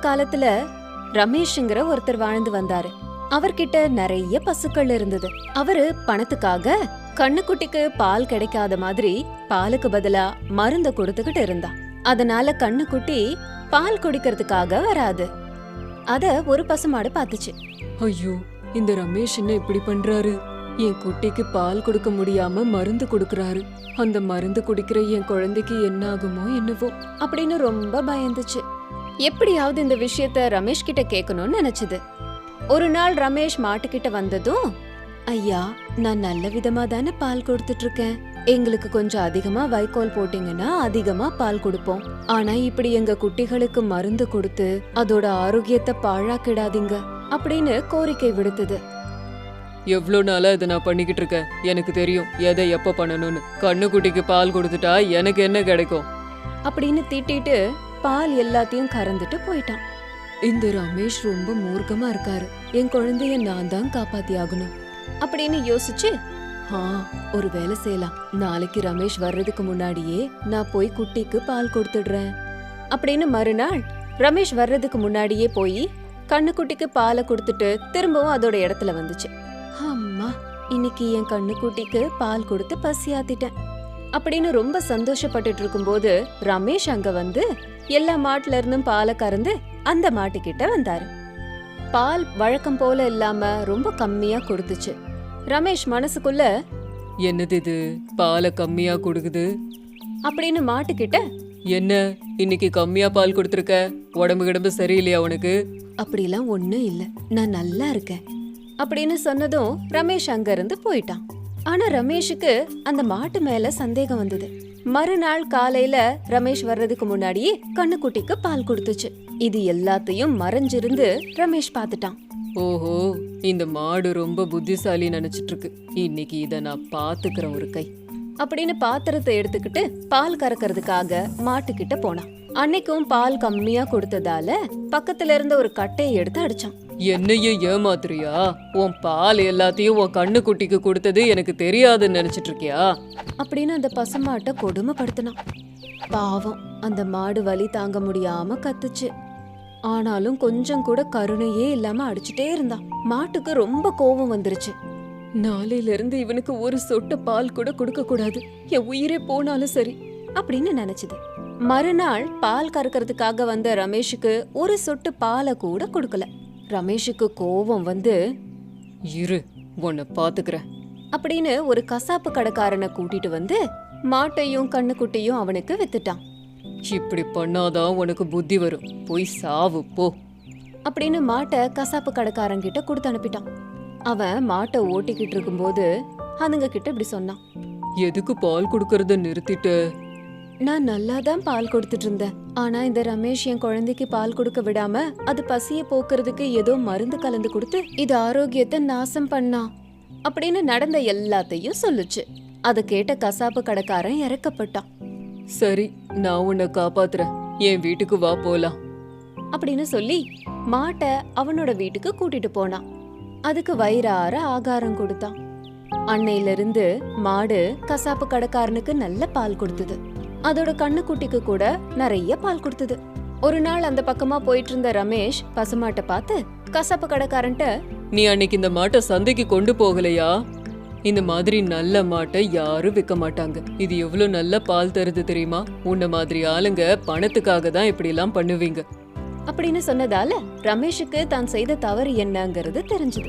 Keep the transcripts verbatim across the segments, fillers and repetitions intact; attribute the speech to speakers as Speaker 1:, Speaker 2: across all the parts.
Speaker 1: காலத்துல ரமேஷ்ங்கிற ஒருத்தர் வாழ்ந்து வந்தாரு. அவர்கிட்ட நிறைய பசுக்கள் இருந்தது. அவரு பணத்துக்காக கண்ணுக்குட்டிக்கு பால் கிடைக்காத மாதிரி பாலுக்கு பதிலா மருந்த கொடுத்துக்கிட்டு இருந்தா. அதனால கண்ணுக்குட்டி பால் குடிக்கிறதுக்காக வராது. அத ஒரு பசுமாடு பாத்துச்சு.
Speaker 2: ஐயோ, இந்த ரமேஷ் என்ன இப்படி பண்றாரு? என் குட்டிக்கு பால் கொடுக்க முடியாம மருந்து கொடுக்கறாரு. அந்த மருந்து குடிக்கிற என் குழந்தைக்கு என்ன ஆகுமோ என்னவோ
Speaker 1: அப்படின்னு ரொம்ப பயந்துச்சு. எப்படியாவது இந்த விஷயத்த ரமேஷ் கிட்ட கேட்கணும்னு நினைச்சது. ஒரு நாள் ரமேஷ் மாட்டுக்கிட்ட வந்ததும், ஐயா, நான் நல்ல விதமா தானே பால் கொடுத்துட்டு இருக்கேன். எங்களுக்கு கொஞ்சம் அதிகமா வைக்கோல் போட்டீங்கன்னா அதிகமா பால் கொடுப்போம். ஆனா இப்படி எங்க குட்டிகளுக்கு மருந்து கொடுத்து அதோட ஆரோக்கியத்தை பாழாக்கிடாதீங்க அப்படின்னு கோரிக்கை விடுத்தது.
Speaker 2: எவ்வளோ நாளா இதை நான் பண்ணிக்கிட்டு இருக்கேன். எனக்கு தெரியும் எதை எப்ப பண்ணணும்னு. கண்ணுக்குட்டிக்கு பால் கொடுத்துட்டா எனக்கு என்ன கிடைக்கும்
Speaker 1: அப்படின்னு திட்டிட்டு பால் எல்லாத்தையும் கறந்துட்டு போயிட்டான்.
Speaker 2: இந்த ரமேஷ் ரொம்ப மூர்க்கமா இருக்காரு. என் குழந்தைய நான் தான் காப்பாத்தி ஆகணும்
Speaker 1: அப்படின்னு யோசிச்சு,
Speaker 2: ஆ, ஒரு வேலை செய்யலாம். நாளைக்கு ரமேஷ் வர்றதுக்கு முன்னாடியே நான் போய் குட்டிக்கு பால் கொடுத்துடுறேன்
Speaker 1: அப்படின்னு மறுநாள் ரமேஷ் வர்றதுக்கு முன்னாடியே போய் கண்ணுக்குட்டிக்கு பாலை கொடுத்துட்டு திரும்பவும் அதோட இடத்துல வந்துச்சு. அம்மா, இன்னைக்கு என் கண்ணுக்குட்டிக்கு பால் கொடுத்து பசியாத்திட்டேன் அப்படின்னு ரொம்ப சந்தோஷப்பட்டுட்டு இருக்கும்போது ரமேஷ் அங்க வந்து எல்லா மாட்டுல இருந்தும் பாலை கறந்து அந்த மாட்டுக்கிட்ட வந்தாரு. பால் வழக்கம் போல இல்லாம ரொம்ப கம்மியா கொடுத்துச்சு. ரமேஷ் மனசுக்குள்ள,
Speaker 2: என்னது இது, பாலை கம்மியா கொடுக்குது
Speaker 1: அப்படின்னு மாட்டுக்கிட்ட,
Speaker 2: என்ன இன்னைக்கு கம்மியா பால் கொடுத்துருக்க? உடம்பு கிடம்பு சரியில்லையா உனக்கு?
Speaker 1: அப்படிலாம் ஒண்ணும் இல்ல, நான் நல்லா இருக்கேன் அப்படின்னு சொன்னதும் ரமேஷ் அங்க இருந்து போயிட்டான். ஆனா ரமேஷுக்கு அந்த மாட்டு மேல சந்தேகம் வந்தது. மறுநாள் காலையில ரமேஷ் வர்றதுக்கு முன்னாடியே கண்ணுக்குட்டிக்கு பால் கொடுத்துச்சு. இது எல்லாத்தையும் மறைஞ்சிருந்து ரமேஷ் பாத்துட்டான்.
Speaker 2: ஓஹோ, இந்த மாடு ரொம்ப புத்திசாலி நினைச்சிட்டு இருக்கு. இன்னைக்கு இத நான் பாத்துக்கிறேன் ஒரு கை
Speaker 1: அப்படின்னு பாத்திரத்தை எடுத்துக்கிட்டு பால் கறக்கிறதுக்காக மாட்டுக்கிட்ட போனான். அன்னைக்கும் பால் கம்மியா கொடுத்ததால பக்கத்துல இருந்த ஒரு கட்டையை எடுத்து அடிச்சான்.
Speaker 2: என்னையும் ஏமாத்துறியா? உன் பால் எல்லாத்தையும் உன் கண்ணுக்குட்டிக்கு கொடுத்தது எனக்கு தெரியாதுன்னு நினைச்சிட்டு இருக்கியா
Speaker 1: அப்படின்னு அந்த பசுமாட்டை கொடுமைப்படுத்தினான். பாவம், அந்த மாடு வலி தாங்க முடியாம கத்துச்சு. ஆனாலும் கொஞ்சம் கூட கருணையே இல்லாம அடிச்சுட்டே இருந்தான். மாட்டுக்கு ரொம்ப கோபம் வந்துருச்சு.
Speaker 2: நாளையில இருந்து இவனுக்கு ஒரு சொட்டு பால் கூட கொடுக்க கூடாது, என் உயிரே போனாலும் சரி
Speaker 1: அப்படின்னு நினைச்சது. மறுநாள் பால் கறக்கிறதுக்காக வந்த ரமேஷுக்கு ஒரு சொட்டு பாலை கூட கொடுக்கல. ரமேஷுக்கு கோபம் வந்து,
Speaker 2: இரு, உன்னை பாத்துக்கிறேன்
Speaker 1: அப்படின்னு ஒரு கசாப்பு கடைக்காரனை கூட்டிட்டு வந்து மாட்டையும் கண்ணுக்குட்டியும் அவனுக்கு வித்துட்டான்.
Speaker 2: இப்படி பண்ணாதான் உனக்கு புத்தி வரும், போய் சாவு போ
Speaker 1: அப்படின்னு மாட்டை கசாப்பு கடைக்காரங்கிட்ட கொடுத்து அனுப்பிட்டான். அவன் மாட்டை ஓட்டிக்கிட்டு இருக்கும்போது அதுங்க கிட்ட இப்படி சொன்னான்.
Speaker 2: எதுக்கு பால் கொடுக்கறத நிறுத்திட்டு?
Speaker 1: நான் நல்லா தான் பால் கொடுத்துட்டு இருந்தேன். ஆனா இந்த ரமேஷ் என் குழந்தைக்கு பால் கொடுக்க விடாம அது பசிய போக்குறதுக்கு ஏதோ மருந்து கலந்து கொடுத்து இது ஆரோக்கியத்தை நாசம் பண்ணா அப்படின்னு நடந்த எல்லாத்தையும் சொல்லுச்சு. அத கேட்ட கசாப்பு கடைக்காரன் இறக்கப்பட்டான்.
Speaker 2: சரி, நான் உன்னை காப்பாத்துறேன், என் வீட்டுக்கு வா போலாம்
Speaker 1: அப்படின்னு சொல்லி மாட்டை அவனோட வீட்டுக்கு கூட்டிட்டு போனான். அதுக்கு வயிறார ஆகாரம் கொடுத்தான். அன்னையில இருந்து மாடு கசாப்பு கடைக்காரனுக்கு நல்ல பால் கொடுத்தது. அதோட கண்ணுக்குட்டிக்கு கூட நிறைய பால் கொடுத்தது. ஒரு நாள் அந்த பக்கமா போயிட்டு இருந்த ரமேஷ் பசுமாட்டை பார்த்து கசாப்பு கடைக்காரன்ட்ட,
Speaker 2: நீ அன்னைக்கு இந்த மாட்டை சந்தைக்கு கொண்டு போகலையா? இந்த மாதிரி நல்ல மாட்டை யாரும் விற்க மாட்டாங்க. இது எவ்வளவு நல்ல பால் தருது தெரியுமா? உன்ன மாதிரி ஆளுங்க பணத்துக்காக தான் இப்படி எல்லாம் பண்ணுவீங்க
Speaker 1: அப்படின்னு சொன்னதால ரமேஷுக்கு தான் செய்த தவறு என்னங்கிறது தெரிஞ்சது.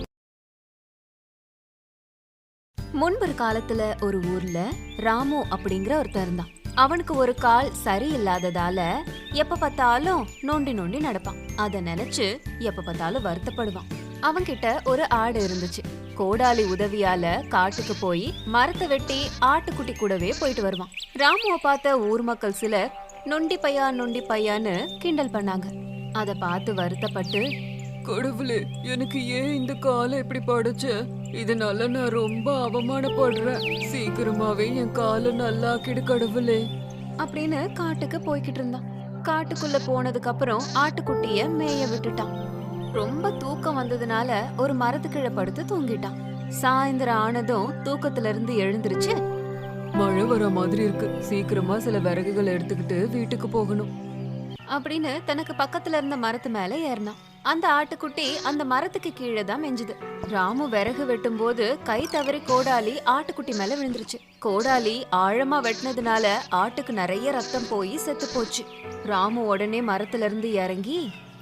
Speaker 1: முன்பொரு காலத்துல ஒரு ஊர்ல ராமு அப்படிங்கிற ஒருத்தர் இருந்தான். அவனுக்கு ஒரு கால் சரியில்லாததால எப்ப பார்த்தாலும் நோண்டி நோண்டி நடப்பான். அத நினைச்சு எப்ப பார்த்தாலும் வருத்தப்படுவான். அவன்கிட்ட ஒரு ஆடு இருந்துச்சு. கோடாலி உதவியால காட்டுக்கு போய் மரத்தை வெட்டி ஆட்டுக்குட்டி கூடவே போயிட்டு வருவான். ராமுவை பார்த்த ஊர் மக்கள் சிலர் நொண்டி பையா நொண்டி பையான்னு கிண்டல் பண்ணாங்க. அத பார்த்து வருத்தப்பட்டு,
Speaker 2: கடவுளே, எனக்கு ஏன் இந்த காலை இப்படி படைச்ச? இதனால நான் ரொம்ப அவமானப்படுறேன். சீக்கிரமாவே என் காலை நல்லாக்கிடு கடவுளே
Speaker 1: அப்படின்னு காட்டுக்கு போய்கிட்டு இருந்தான். காட்டுக்குள்ள போனதுக்கு அப்புறம் ஆட்டுக்குட்டிய மேய விட்டுட்டான். ரொம்ப தூக்கம் வந்ததுனால ஒரு மரத்துக்கிழ படுத்து தூங்கிட்டான். சாயந்தரம் ஆனதும் தூக்கத்துல இருந்து எழுந்திருச்சு,
Speaker 2: மழை வர மாதிரி இருக்கு, சீக்கிரமா சில விறகுகள் எடுத்துக்கிட்டு வீட்டுக்கு போகணும்
Speaker 1: அப்படின்னு தனக்கு பக்கத்துல இருந்த மரத்து மேல ஏறினான். அந்த ஆட்டுக்குட்டி அந்த மரத்துக்கு கீழே தான் மெஞ்சுது. ராமு விறகு வெட்டும் போது கை தவறி கோடாலி ஆட்டுக்குட்டி மேல விழுந்துருச்சு. கோடாலி ஆழமா வெட்டினதுனால ஆட்டுக்கு நிறைய ரத்தம் போய் செத்து போச்சு. ராமு உடனே மரத்துல இருந்து இறங்கி,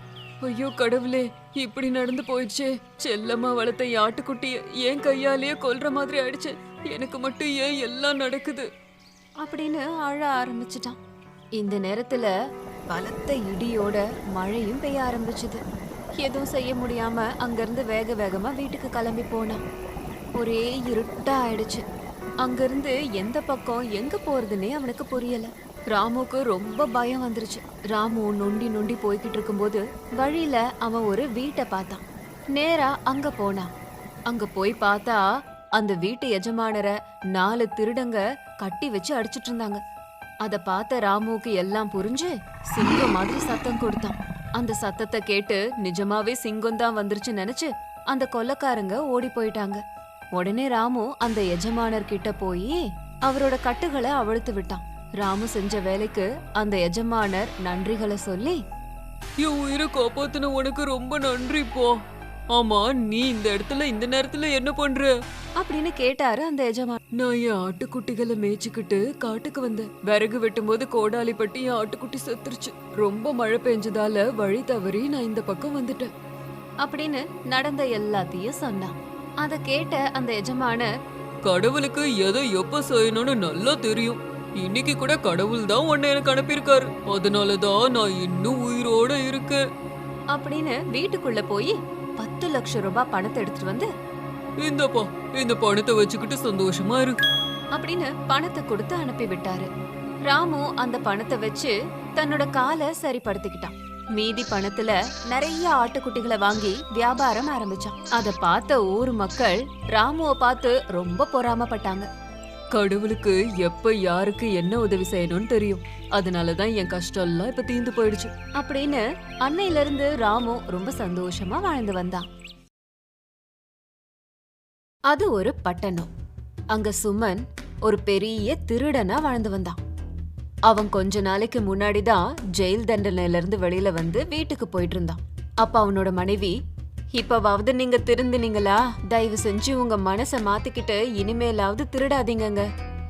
Speaker 2: ஐயோ கடவுளே, இப்படி நடந்து போயிடுச்சே. செல்லம்மா வளர்த்த என் ஆட்டுக்குட்டிய ஏன் கையாலேயே கொல்ற மாதிரி ஆயிடுச்சு. எனக்கு மட்டும் ஏன் எல்லாம் நடக்குது
Speaker 1: அப்படின்னு அழ ஆரம்பிச்சிட்டான். இந்த நேரத்துல பலத்த இடியோட மழையும் பெய்ய ஆரம்பிச்சுது. எதுவும் செய்ய முடியாம அங்கிருந்து வேக வேகமா வீட்டுக்கு கிளம்பி போனான். ஒரே இருட்டா ஆயிடுச்சு. அங்கிருந்து எந்த பக்கம் எங்க போறதுன்னே அவனுக்கு புரியல. ராமுக்கு ரொம்ப பயம் வந்துருச்சு. ராமு நொண்டி நொண்டி போய்கிட்டு இருக்கும்போது வழியில அவன் ஒரு வீட்டை பார்த்தான். நேரா அங்க போனான். அங்க போய் பார்த்தா அந்த வீட்டு எஜமானரை நாலு திருடங்க கட்டி வச்சு அடிச்சிட்டு இருந்தாங்க. அத பார்த்த ராமுக்கு எல்லாம் புரிஞ்சு சிங்கம் மாதிரி சத்தம் கொடுத்தான். அந்த சத்தத்தை கேட்டு நிஜமாவே சிங்கம் தான் வந்துருச்சு நினைச்சு அந்த கொல்லைக்காரங்க ஓடி போயிட்டாங்க. உடனே ராமு அந்த எஜமானர் கிட்ட போய் அவரோட கட்டுகளை அவிழ்த்து விட்டான். ராமு செஞ்ச வேலைக்கு அந்த எஜமானர் நன்றிகளை சொல்லி,
Speaker 2: என் உயிரை காப்பாத்தின உனக்கு ரொம்ப நன்றி போ. ஆமா, நீ இந்த இடத்துல இந்த நேரத்துல என்ன பண்ற
Speaker 1: அப்படின்னு கேட்டாரு அந்த எஜமான்.
Speaker 2: நான் என் ஆட்டுக்குட்டிகளை மேய்ச்சிக்கிட்டு காட்டுக்கு வந்தேன். விறகு வெட்டும் போது கோடாலி பட்டி என் ஆட்டுக்குட்டி செத்துருச்சு. ரொம்ப மழை பெஞ்சதால வழி தவறி நான் இந்த பக்கம் வந்துட்டேன்
Speaker 1: அப்படின்னு நடந்த எல்லாத்தையும் சொன்னான். அத கேட்ட அந்த எஜமானர்,
Speaker 2: கடவுளுக்கு எதை எப்ப செய்யணும்னு நல்லா தெரியும். இன்னைக்கு கூட கடவுள் தான் உன்னை எனக்கு அனுப்பியிருக்காரு. அதனாலதான் நான் இன்னும் உயிரோட இருக்கேன்
Speaker 1: அப்படின்னு வீட்டுக்குள்ள போய் பத்து லட்சம் ரூபாய் பணத்தை எடுத்துட்டு வந்து,
Speaker 2: இந்தப்பா, இந்த பணத்தை வச்சுக்கிட்டு சந்தோஷமா இரு
Speaker 1: அப்படின்னு பணத்தை கொடுத்து அனுப்பி விட்டாரு. ராமு அந்த பணத்தை வச்சு தன்னோட காலை சரிப்படுத்திக்கிட்டான். மீதி பணத்துல நிறைய ஆட்டுக்குட்டிகளை வாங்கி வியாபாரம் ஆரம்பிச்சான். அத பார்த்த ஊர் மக்கள் ராமுவை பார்த்து ரொம்ப பொறாமப்பட்டாங்க.
Speaker 2: கடவுளுக்கு எப்ப யாருக்கு என்ன உதவி செய்யணும்னு தெரியும். அதனாலதான் என் கஷ்டம் எல்லாம் இப்ப தீர்ந்து போயிடுச்சு
Speaker 1: அப்படின்னு அன்னையில இருந்து ராமு ரொம்ப சந்தோஷமா வாழ்ந்து வந்தான். அது ஒரு பட்டணம். அங்க சுமன் ஒரு பெரிய திருடனா வாழ்ந்து வந்தான். அவன் கொஞ்ச நாளைக்கு முன்னாடிதான் ஜெயில் தண்டனையில இருந்து வெளியில வந்து வீட்டுக்கு போயிட்டு இருந்தான். அப்ப அவனோட மனைவி, இப்பவாவது நீங்க திருந்தினீங்களா? தயவு செஞ்சு உங்க மனச மாத்திக்கிட்டு இனிமேலாவது திருடாதீங்கங்க.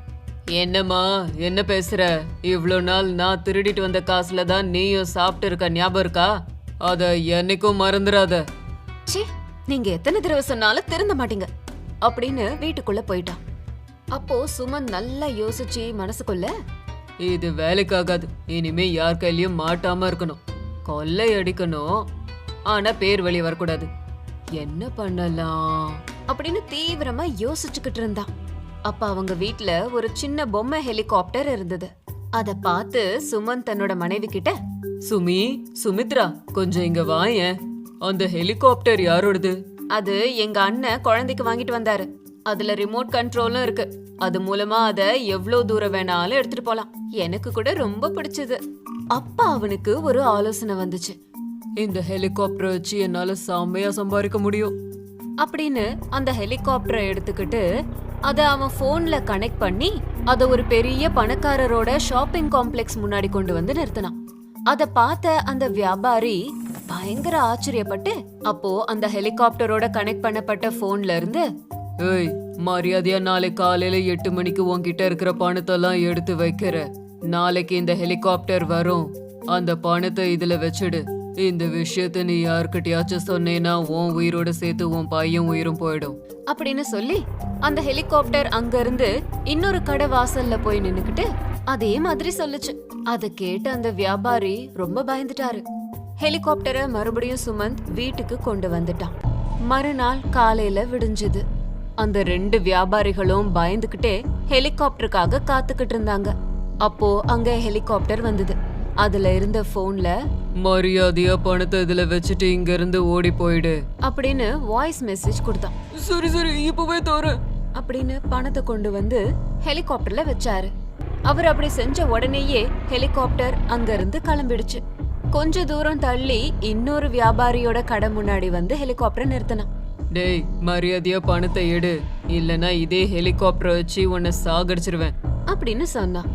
Speaker 2: என்னம்மா என்ன பேசுற? இவ்ளோ நாள் நான் திருடிட்டு வந்த காசுல தான் நீயும் சாப்பிட்டு இருக்க, ஞாபகம் இருக்கா? அத என்னைக்கும் மறந்துடாத.
Speaker 1: சி, நீங்க எத்தனை தடவை சொன்னாலும் திருந்த மாட்டீங்க அப்படின்னு வீட்டுக்குள்ள போயிட்டான். அப்போ சுமன் நல்லா யோசிச்சு மனசுக்குள்ள,
Speaker 2: இது வேலைக்காகாது. இனிமே யார் கையிலயும் மாட்டாம இருக்கணும். கொள்ளை அடிக்கணும், ஆனா பேர் வெளியே வரக்கூடாது. என்ன பண்ணலாம்
Speaker 1: அப்படின்னு தீவிரமா யோசிச்சுக்கிட்டு இருந்தான். அப்ப அவங்க வீட்ல ஒரு சின்ன பொம்மை ஹெலிகாப்டர் இருந்தது. அத பார்த்து சுமன் தன்னோட மனைவி கிட்ட,
Speaker 2: சுமி, சுமித்ரா, கொஞ்சம் இங்க வாயேன். அந்த ஹெலிகாப்டர் யாரோடது?
Speaker 1: அது எங்க அண்ணன் குழந்தைக்கு வாங்கிட்டு வந்தாரு. அதுல ரிமோட் கண்ட்ரோலும் இருக்கு. அது மூலமா அத எவ்வளவு தூரம் வேணாலும் எடுத்துட்டு போலாம். எனக்கு கூட ரொம்ப பிடிச்சது. அப்ப அவனுக்கு ஒரு ஆலோசனை வந்துச்சு.
Speaker 2: இந்த ஹெலிகாப்டர் வச்சு என்னால செம்மையா சம்பாதிக்க முடியும்
Speaker 1: அப்படின்னு அந்த ஹெலிகாப்டரை எடுத்துக்கிட்டு அத அவன் போன்ல கனெக்ட் பண்ணி அத ஒரு பெரிய பணக்காரரோட ஷாப்பிங் காம்ப்ளெக்ஸ் முன்னாடி கொண்டு வந்து நிறுத்தினான். அத பார்த்த அந்த வியாபாரி பயங்கர ஆச்சரியப்பட்டு, அப்போ அந்த ஹெலிகாப்டரோட கனெக்ட் பண்ணப்பட்ட போன்ல இருந்து,
Speaker 2: ஏய், மரியாதையா நாளை காலையில எட்டு மணிக்கு உன்கிட்ட இருக்கிற பணத்தெல்லாம் எடுத்து வைக்கிற. நாளைக்கு இந்த ஹெலிகாப்டர் வரும். அந்த பணத்தை இதுல வச்சிடு. இந்த விஷயத்த நீ யார்கிட்டயாச்சும் சொன்னேன்னா உன் உயிரோட சேர்த்து உன் பையன் உயிரும் போயிடும்
Speaker 1: அப்படின்னு சொல்லி அந்த ஹெலிகாப்டர் அங்க இருந்து இன்னொரு கடை வாசல்ல போய் நின்னுக்கிட்டு அதே மாதிரி சொல்லுச்சு. அத கேட்டு அந்த வியாபாரி ரொம்ப பயந்துட்டாரு. ஹெலிகாப்டரை மறுபடியும் சுமந்த் வீட்டுக்கு கொண்டு வந்துட்டான். மறுநாள் காலையில விடிஞ்சது. அந்த ரெண்டு வியாபாரிகளும் பயந்துகிட்டே ஹெலிகாப்டருக்காக காத்துக்கிட்டு இருந்தாங்க. அப்போ அங்க ஹெலிகாப்டர் வந்தது. அதுல இருந்த போன்ல,
Speaker 2: மரியாதையா பணத்தை இதுல வச்சுட்டு இங்க இருந்து ஓடி போயிடு
Speaker 1: அப்படின்னு வாய்ஸ் மெசேஜ் கொடுத்தான்.
Speaker 2: சரி சரி, இப்பவே தோற
Speaker 1: அப்படின்னு பணத்தை கொண்டு வந்து ஹெலிகாப்டர்ல வச்சாரு. அவர் அப்படி செஞ்ச உடனேயே ஹெலிகாப்டர் அங்க இருந்து கிளம்பிடுச்சு. கொஞ்ச தூரம் தள்ளி இன்னொரு வியாபாரியோட கடை முன்னாடி வந்து ஹெலிகாப்டர் நிறுத்தினான்.
Speaker 2: டேய், மரியாதையா பணத்தை எடு, இல்லனா இதே ஹெலிகாப்டர் வச்சு உன்னை சாகடிச்சிருவேன்
Speaker 1: அப்படின்னு சொன்னான்.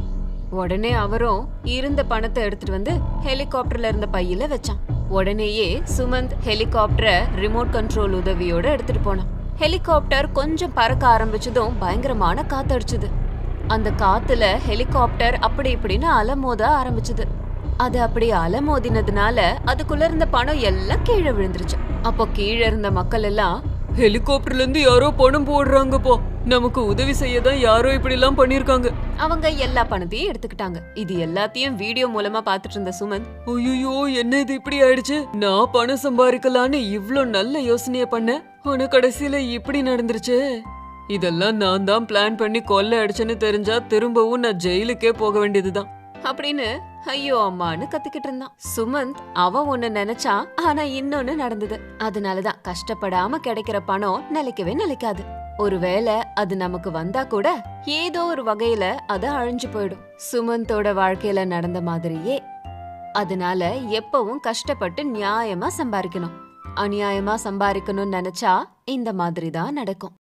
Speaker 1: உடனே அவரும் இருந்த பணத்தை எடுத்துட்டு வந்து ஹெலிகாப்டர்ல இருந்த பையில வச்சான். உடனேயே சுமந்த் ஹெலிகாப்டரை ரிமோட் கண்ட்ரோல் உதவியோட எடுத்துட்டு போனான். ஹெலிகாப்டர் கொஞ்சம் பறக்க ஆரம்பிச்சதும் பயங்கரமான காத்தடிச்சுது. அந்த காத்துல ஹெலிகாப்டர் அப்படி இப்படின்னு அலமோத ஆரம்பிச்சது. அது அப்படி அலமோதினதுனால அதுக்குள்ள இருந்த பணம் எல்லாம் கீழே விழுந்துருச்சு. அப்போ கீழே இருந்த மக்கள் எல்லாம்,
Speaker 2: ஹெலிகாப்டர்ல இருந்து யாரோ பணம் போடுறாங்கப்போ, நமக்கு உதவி செய்ய தான் யாரோ இப்படி எல்லாம் பண்ணிருக்காங்க.
Speaker 1: அவங்க எல்லா பணத்தையும் எடுத்துக்கிட்டாங்க. இது எல்லாத்தையும் வீடியோ மூலமா பாத்துட்டு இருந்த சுமந்த்,
Speaker 2: ஐயோ என்ன இது இப்படி ஆயிடுச்சு, நான் பணம் சம்பாதிக்கலான்னு இவ்ளோ நல்ல யோசனைய பண்ணேன், ஆனா கடைசியில இப்படி நடந்துருச்சு. இதெல்லாம் நான் தான் பிளான் பண்ணி கொள்ளை அடிச்சேன்னு தெரிஞ்சா திரும்பவும் நான் ஜெயிலுக்கே போக வேண்டியதுதான்
Speaker 1: அப்படின்னு ஐயோ அம்மான்னு கத்திக்கிட்டு இருந்தான். சுமந்த் அவன் ஒண்ணு நினைச்சான், ஆனா இன்னொன்னு நடந்தது. அதனாலதான் கஷ்டப்படாம கிடைக்கிற பணம் நிலைக்கவே நிலைக்காது. ஒருவேளை அது நமக்கு வந்தா கூட ஏதோ ஒரு வகையில அது அழிஞ்சு போயிடும். சுமந்தோட வாழ்க்கையில நடந்த மாதிரியே. அதனால எப்பவும் கஷ்டப்பட்டு நியாயமா சம்பாதிக்கணும். அநியாயமா சம்பாதிக்கணும்னு நினைச்சா இந்த மாதிரி தான் நடக்கும்.